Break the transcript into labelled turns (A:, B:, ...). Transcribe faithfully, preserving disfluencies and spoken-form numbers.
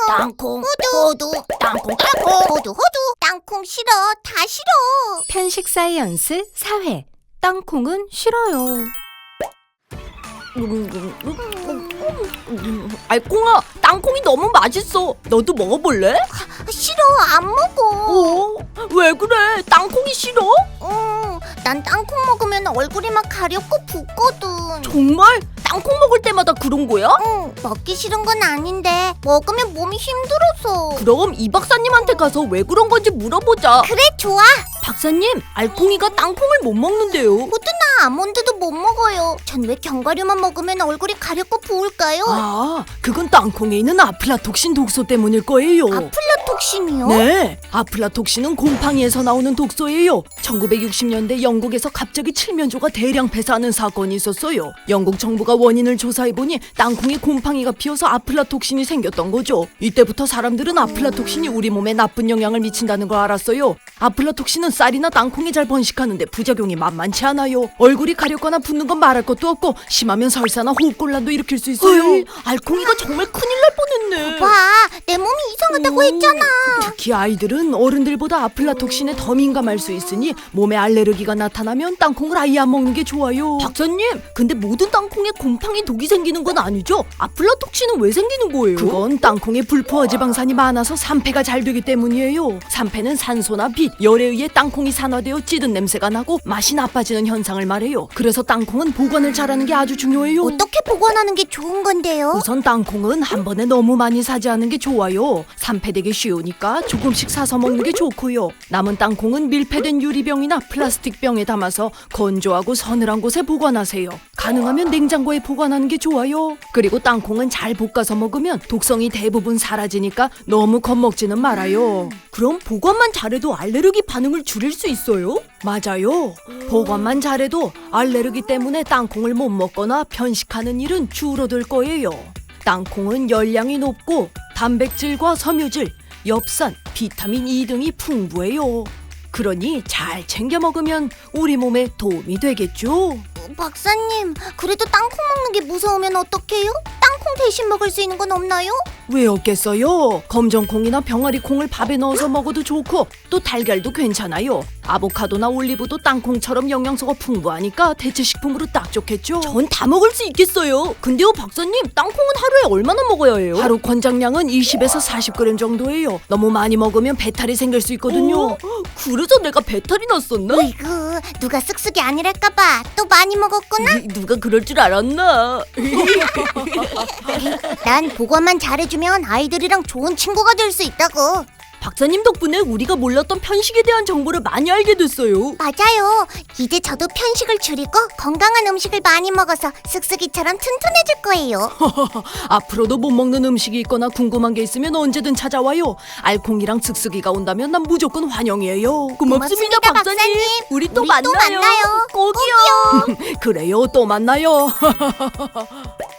A: 땅콩 호두 땅콩 땅콩 호두 호두 땅콩 싫어 다 싫어.
B: 편식 사이언스 사 회 땅콩은 싫어요.
C: 알콩아, 땅콩이 너무 맛있어. 너도 먹어볼래?
A: 싫어 안 먹어.
C: 어? 왜 그래? 땅콩이 싫어?
A: 응, 난 땅콩 먹으면 얼굴이 막 가렵고 붓거든.
C: 정말? 땅콩 먹을 때마다 그런 거야?
A: 응, 먹기 싫은 건 아닌데 먹으면 몸이 힘들어서.
C: 그럼 이 박사님한테 가서 왜 그런 건지 물어보자.
A: 그래 좋아.
C: 박사님, 알콩이가 땅콩을 못 먹는데요.
A: 호두나 아몬드도 못 먹어요. 전 왜 견과류만 먹으면 얼굴이 가렵고 부을까요?
C: 아, 그건 땅콩에 있는 아플라톡신 독소 때문일 거예요.
A: 아플라톡신이요?
C: 네, 아플라톡신은 곰팡이에서 나오는 독소예요. 천구백육십 년대 영국에서 갑자기 칠면조가 대량 폐사하는 사건이 있었어요. 영국 정부가 원인을 조사해보니 땅콩에 곰팡이가 피어서 아플라톡신이 생겼던 거죠. 이때부터 사람들은 아플라톡신이 우리 몸에 나쁜 영향을 미친다는 걸 알았어요. 아플라톡신은 쌀이나 땅콩에 잘 번식하는데 부작용이 만만치 않아요. 얼굴이 가렵거나 붓는 건 말할 것도 없고 심하면 설사나 호흡곤란도 일으킬 수 있어요. 어이, 알콩이가 정말 큰일 날 뻔했네.
A: 봐, 내 몸이 이상하다고 했잖아.
C: 특히 아이들은 어른들보다 아플라톡신에 더 민감할 수 있으니 몸에 알레르기가 나타나면 땅콩을 아예 안 먹는 게 좋아요. 박사님, 근데 모든 땅콩에 곰팡이 독이 생기는 건 아니죠? 아플라톡신은 왜 생기는 거예요? 그건 땅콩에 불포화 지방산이 많아서 산패가 잘 되기 때문이에요. 산패는 산소나 빛, 열에 의해 땅콩이 산화되어 찌든 냄새가 나고 맛이 나빠지는 현상을 말해요. 그래서 땅콩은 보관을 잘하는 게 아주 중요해요.
A: 어떻게 보관하는 게 좋은 건데요?
C: 우선 땅콩은 한 번에 너무 많이 사지 않은 게 좋아요. 산패되기 쉬우니까 조금씩 사서 먹는 게 좋고요. 남은 땅콩은 밀폐된 유리병이나 플라스틱 병에 담아서 건조하고 서늘한 곳에 보관하세요. 가능하면 냉장고에 보관하는 게 좋아요. 그리고 땅콩은 잘 볶아서 먹으면 독성이 대부분 사라지니까 너무 겁먹지는 말아요. 그럼 보관만 잘해도 알레르기 반응을 줄일 수 있어요? 맞아요. 보관만 잘해도 알레르기 때문에 땅콩을 못 먹거나 편식하는 일은 줄어들 거예요. 땅콩은 열량이 높고 단백질과 섬유질, 엽산, 비타민 E 등이 풍부해요. 그러니 잘 챙겨 먹으면 우리 몸에 도움이 되겠죠.
A: 박사님, 그래도 땅콩 먹는 게 무서우면 어떡해요? 땅콩 대신 먹을 수 있는 건 없나요?
C: 왜 없겠어요? 검정콩이나 병아리콩을 밥에 넣어서 먹어도 좋고 또 달걀도 괜찮아요. 아보카도나 올리브도 땅콩처럼 영양소가 풍부하니까 대체식품으로 딱 좋겠죠. 전 다 먹을 수 있겠어요. 근데요 박사님, 땅콩은 하루에 얼마나 먹어야 해요? 하루 권장량은 이십에서 사십 그램 정도예요. 너무 많이 먹으면 배탈이 생길 수 있거든요. 어? 그래서 내가 배탈이 났었나?
A: 으이구, 누가 쓱쓱이 아니랄까봐 또 많이 먹었구나?
C: 누가 그럴 줄 알았나?
A: 난 보관만 잘해주면 아이들이랑 좋은 친구가 될 수 있다고.
C: 박사님 덕분에 우리가 몰랐던 편식에 대한 정보를 많이 알게 됐어요.
A: 맞아요. 이제 저도 편식을 줄이고 건강한 음식을 많이 먹어서 쓱쓱이처럼 튼튼해질 거예요.
C: 앞으로도 못 먹는 음식이 있거나 궁금한 게 있으면 언제든 찾아와요. 알콩이랑 쓱쓱이가 온다면 난 무조건 환영이에요. 고맙습니다,
A: 고맙습니다,
C: 박사님.
A: 박사님.
C: 우리 또
A: 우리
C: 만나요.
A: 또 만나요.
C: 꼭이요. 그래요, 또 만나요.